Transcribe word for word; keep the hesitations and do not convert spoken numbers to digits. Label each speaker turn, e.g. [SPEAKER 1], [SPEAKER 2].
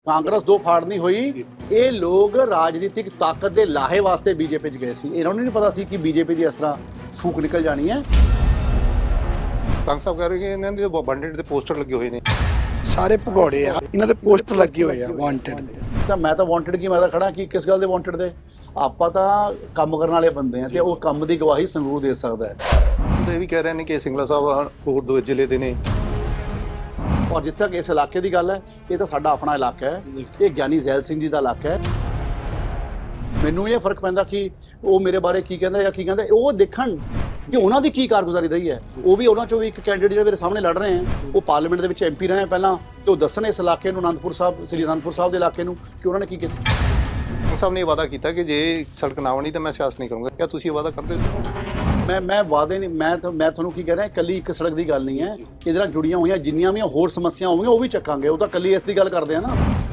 [SPEAKER 1] ਕਾਂਗਰਸ ਦੋ ਫਾੜ ਨਹੀਂ ਹੋਈ। ਇਹ ਲੋਕ ਰਾਜਨੀਤਿਕ ਤਾਕਤ ਦੇ ਲਾਹੇ ਵਾਸਤੇ ਬੀਜੇਪੀ 'ਚ ਗਏ ਸੀ। ਇਹਨਾਂ ਨੂੰ ਨਹੀਂ ਪਤਾ ਸੀ ਕਿ ਬੀਜੇਪੀ ਦੀ ਇਸ ਤਰ੍ਹਾਂ ਫੂਕ ਨਿਕਲ ਜਾਣੀ ਹੈ।
[SPEAKER 2] ਕੰਗ ਸਾਹਿਬ ਕਹਿ ਰਹੇ ਕਿ ਇਹਨਾਂ ਦੇ ਬੰਡੇਡ ਦੇ ਪੋਸਟਰ ਲੱਗੇ ਹੋਏ ਨੇ।
[SPEAKER 3] ਸਾਰੇ ਭਗੌੜੇ ਆ, ਇਹਨਾਂ ਦੇ ਪੋਸਟਰ ਲੱਗੇ ਹੋਏ ਆ ਵਾਂਟਡ ਦੇ।
[SPEAKER 1] ਤਾਂ ਮੈਂ ਤਾਂ ਵਾਂਟਡ ਕੀ, ਮੈਂ ਤਾਂ ਖੜਾ ਕਿ ਕਿਸ ਗੱਲ ਦੇ ਵਾਂਟਡ ਦੇ। ਆਪਾਂ ਤਾਂ ਕੰਮ ਕਰਨ ਵਾਲੇ ਬੰਦੇ ਆ ਤੇ ਉਹ ਕੰਮ ਦੀ ਗਵਾਹੀ ਸੰਗਰੂਰ ਦੇ ਸਕਦਾ ਹੈ।
[SPEAKER 2] ਇਹ ਵੀ ਕਹਿ ਰਹੇ ਨੇ ਕਿ ਸਿੰਗਲਾ ਸਾਹਿਬ ਹੋਰ ਦੋ ਜ਼ਿਲ੍ਹੇ ਦੇ ਨੇ।
[SPEAKER 1] ਔਰ ਜਿੱਥੇ ਤੱਕ ਇਸ ਇਲਾਕੇ ਦੀ ਗੱਲ ਹੈ, ਇਹ ਤਾਂ ਸਾਡਾ ਆਪਣਾ ਇਲਾਕਾ ਹੈ। ਇਹ ਗਿਆਨੀ ਜ਼ੈਲ ਸਿੰਘ ਜੀ ਦਾ ਇਲਾਕਾ ਹੈ। ਮੈਨੂੰ ਇਹ ਫਰਕ ਪੈਂਦਾ ਕਿ ਉਹ ਮੇਰੇ ਬਾਰੇ ਕੀ ਕਹਿੰਦਾ ਜਾਂ ਕੀ ਕਹਿੰਦਾ। ਉਹ ਦੇਖਣ ਕਿ ਉਹਨਾਂ ਦੀ ਕੀ ਕਾਰਗੁਜ਼ਾਰੀ ਰਹੀ ਹੈ। ਉਹ ਵੀ ਉਹਨਾਂ ਚੋਂ ਵੀ ਇੱਕ ਕੈਂਡੀਡੇਟ ਜਿਹੜੇ ਮੇਰੇ ਸਾਹਮਣੇ ਲੜ ਰਹੇ ਹੈ, ਉਹ ਪਾਰਲੀਮੈਂਟ ਦੇ ਵਿੱਚ ਐਮਪੀ ਰਹੇ ਪਹਿਲਾਂ, ਤੇ ਉਹ ਦੱਸਣ ਇਸ ਇਲਾਕੇ ਨੂੰ, ਅਨੰਦਪੁਰ ਸਾਹਿਬ, ਸ੍ਰੀ ਅਨੰਦਪੁਰ ਸਾਹਿਬ ਦੇ ਇਲਾਕੇ ਨੂੰ, ਕਿ ਉਹਨਾਂ ਨੇ ਕੀ ਕੀਤਾ।
[SPEAKER 2] ਕੰਗ ਸਾਹਿਬ ਨੇ ਇਹ ਵਾਅਦਾ ਕੀਤਾ ਕਿ ਜੇ ਸੜਕ ਨਾ ਬਣੀ ਤਾਂ ਮੈਂ ਸਿਆਸਤ ਨਹੀਂ ਕਰੂੰਗਾ। ਕਿਆ ਤੁਸੀਂ ਇਹ ਵਾਅਦਾ ਕਰਦੇ ਹੋ?
[SPEAKER 1] ਮੈਂ ਮੈਂ ਵਾਅਦੇ ਨਹੀਂ, ਮੈਂ ਤਾਂ ਮੈਂ ਤੁਹਾਨੂੰ ਕੀ ਕਹਿ ਰਿਹਾ, ਇਕੱਲੀ ਇੱਕ ਸੜਕ ਦੀ ਗੱਲ ਨਹੀਂ ਹੈ। ਇਹਦੇ ਨਾਲ ਜੁੜੀਆਂ ਹੋਈਆਂ ਜਿੰਨੀਆਂ ਵੀ ਹੋਰ ਸਮੱਸਿਆ ਹੋਣਗੀਆਂ ਉਹ ਵੀ ਚੱਕਾਂਗੇ। ਉਹ ਤਾਂ ਇਕੱਲੀ ਇਸ ਦੀ ਗੱਲ ਕਰਦੇ ਆ ਨਾ।